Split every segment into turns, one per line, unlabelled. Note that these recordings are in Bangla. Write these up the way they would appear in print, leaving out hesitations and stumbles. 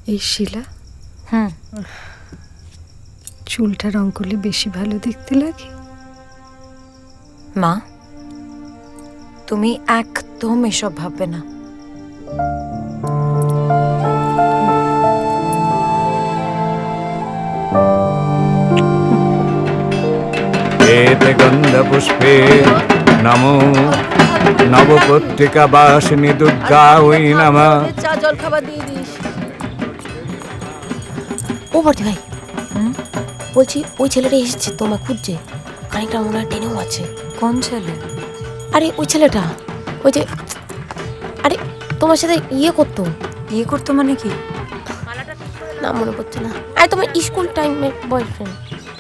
এই শিলা
হুম,
চুলটা রং করলে বেশি ভালো দেখতে লাগে।
মা তুমি একদম এসব ভাববে না।
এতে গন্ধপুষ্পে নমো নবপত্রিকা বাসিনী দুর্গা ওই নামা।
চা জল খাবার দিয়ে দিস।
ও বর্দি ভাই, বলছি ওই ছেলেটা এসেছে তোমার খুঁজছে, খানিকটা মনে হয় টেনেও আছে।
কোন ছেলে?
আরে ওই ছেলেটা, ওই যে, আরে তোমার সাথে ইয়ে করতো।
বিয়ে করতো মানে কি?
না মনে পড়ছে না। আরে তোমার স্কুল টাইমের বয়ফ্রেন্ড।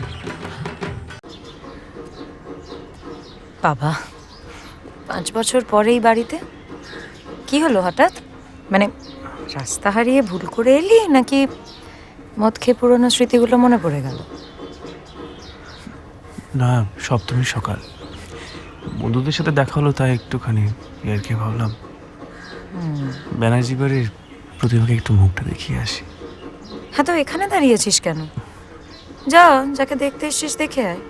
বাবা, 5 বছর পরে এই বাড়িতে কি হলো হঠাৎ? মানে রাস্তা হারিয়ে ভুল করে এলি নাকি মদ খেয়ে পুরোনো স্মৃতিগুলো মনে পড়ে গেল?
না, সপ্তমী সকাল বন্ধুদের সাথে দেখা হলো, তাই একটুখানি আর কি ভাবলাম ব্যানার্জি বাড়ির প্রতিমাকে একটু মুখটা দেখিয়ে আসি।
হ্যাঁ, তো এখানে দাঁড়িয়েছিস কেন? যা, যাকে দেখতে এসছিস দেখে আয়।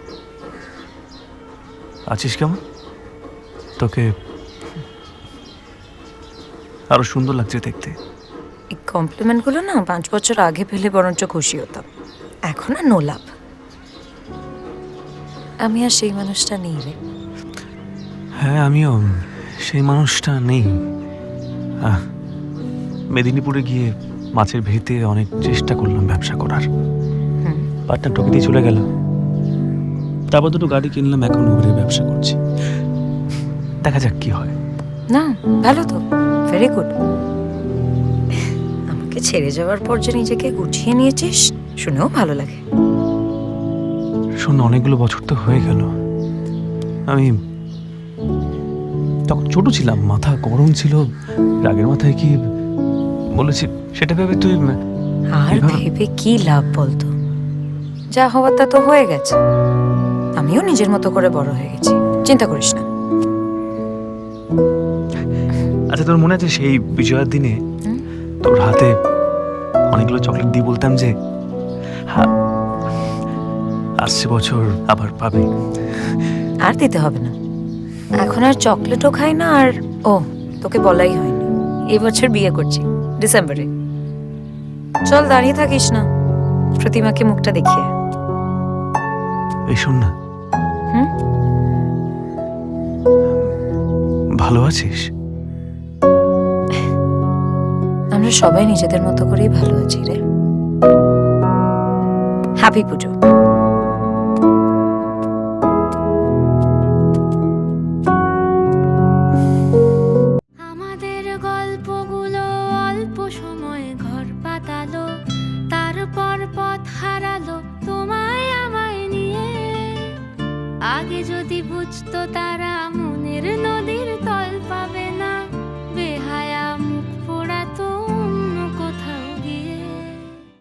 আছিস কেমন? তোকে আরো সুন্দর লাগছে দেখতে।
এই কমপ্লিমেন্টগুলো না 5 বছর আগে পেলে বরঞ্চ খুশি হতাম, এখন আর নো লাভ। আমি আর সেই মানুষটা নেই রে।
হ্যাঁ, আমিও সেই মানুষটা নেই। মেদিনীপুরে গিয়ে মাছের ভেতে অনেক চেষ্টা করলাম ব্যবসা করার, পার্টনার ঠকে দিয়ে চলে গেল। তারপর দুটো গাড়ি কিনলাম, এখন উবেরের ব্যবসা করছি। দেখা যাক কি হয়।
না, ভালো তো, ভেরি গুড। আমাকে ছেড়ে যাওয়ার পর যে নিজেকে গুছিয়ে নিয়েছিস শুনেও ভালো লাগে।
শোন, অনেকগুলো বছর তো হয়ে গেল। আমি তখন ছোট ছিলাম, মাথা গরম ছিল, রাগের মাথায় কি বলেছি সেটা ভেবে তুই
আর ভেবে কি লাভ বলতো? যা হওয়ার তা তো হয়ে গেছে। আমিও নিজের মতো করে বড় হয়ে গেছি, চিন্তা করিস না।
আচ্ছা, তোর মনে আছে সেই বিজয়ার দিনে তোর হাতে অনেকগুলো চকলেট দিয়ে বলতাম যে আসছে বছর আবার পাবে?
আর দিতে হবে না, এখন আর চকলেটও খাই না। আর ও, তোকে বলাই হয়নি, এই বছর বিয়ে করছি ডিসেম্বরে। চল, দাঁড়িয়ে থাকিস না, প্রতিমাকে মুখটা দেখিয়ে।
এই শোন না,
হুম?
ভালো আছিস?
আমরা সবাই নিজেদের মতো করেই ভালো আছি রে। হ্যাপি পুজো।
আমাদের গল্পগুলো অল্প সময়ে ঘর পাতালো, তারপর পথ হারালো তোমায় আমায় নিয়ে। আগে যদি বুঝতো তারা মনের নদীর